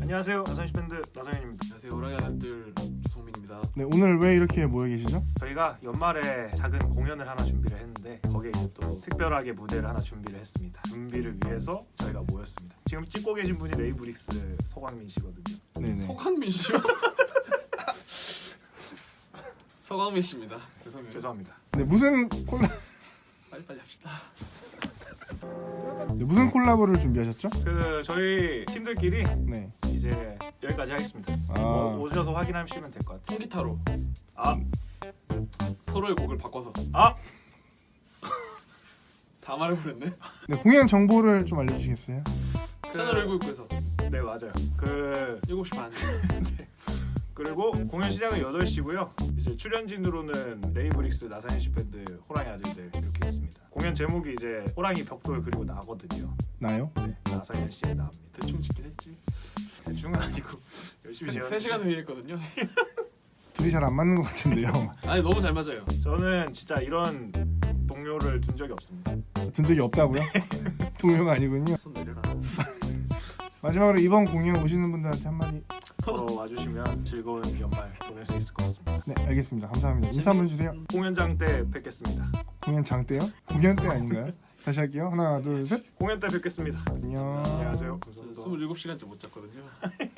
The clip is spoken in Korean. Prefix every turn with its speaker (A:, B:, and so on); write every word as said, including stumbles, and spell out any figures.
A: 안녕하세요. 나선시 밴드 나성현입니다.
B: 안녕하세요. 호랑이 아들들 조성민입니다.
C: 네, 오늘 왜 이렇게 모여 계시죠?
A: 저희가 연말에 작은 공연을 하나 준비를 했는데 거기에 이제 또 특별하게 무대를 하나 준비를 했습니다. 준비를 위해서 저희가 모였습니다. 지금 찍고 계신 분이 레이브릭스 서광민 씨거든요.
C: 네네.
B: 서광민 씨요? 서광민 씨입니다. 죄송해요.
A: 죄송합니다.
C: 네, 무슨 콜라
B: 빨리빨리 합시다.
C: 네, 무슨 콜라보를 준비하셨죠?
A: 그 저희 팀들끼리
C: 네.
A: 이제 여기까지 하겠습니다.
C: 아.
A: 어, 오셔서 확인하시면 될 것 같아요.
B: 통기타로
A: 아,
B: 서로의 곡을 바꿔서
A: 아,
B: 다 말해버렸네.
C: 네, 공연 정보를 좀 알려주시겠어요?
A: 그-
B: 채널 일구육구에서
A: 네 맞아요. 그
B: 일곱 시 반.
A: 그리고 공연 시작은 여덟 시고요. 이제 출연진으로는 레이브릭스 나상현 씨 밴드 호랑이 아들들 이렇게 있습니다. 공연 제목이 이제 호랑이 벽돌 그리고 나거든요.
C: 나요?
A: 네, 나상현 씨의 나입니다.
B: 대충 짓긴 했지.
A: 대충은 아니고 열심히
B: 세
A: 지었는데
B: 시간 회의했거든요.
C: 둘이 잘 안 맞는 것 같은데요.
B: 아니 너무 잘 맞아요.
A: 저는 진짜 이런 동료를 둔 적이 없습니다.
C: 든 적이 없다고요? 동료가 아니군요.
B: 손 내려라.
C: 마지막으로 이번 공연 오시는 분들한테 한마디.
A: 보러 와주시면 즐거운 연말 보낼 수 있을 것 같습니다.
C: 네, 알겠습니다. 감사합니다. 인사 한번 주세요.
A: 공연장 때 뵙겠습니다.
C: 공연 장 때요? 공연 때 아닌가요? 다시 할게요. 하나, 둘, 셋.
A: 공연 때 뵙겠습니다.
C: 안녕.
A: 안녕하세요.
B: 저
A: 감사합니다.
B: 스물일곱 시간째 못 잤거든요.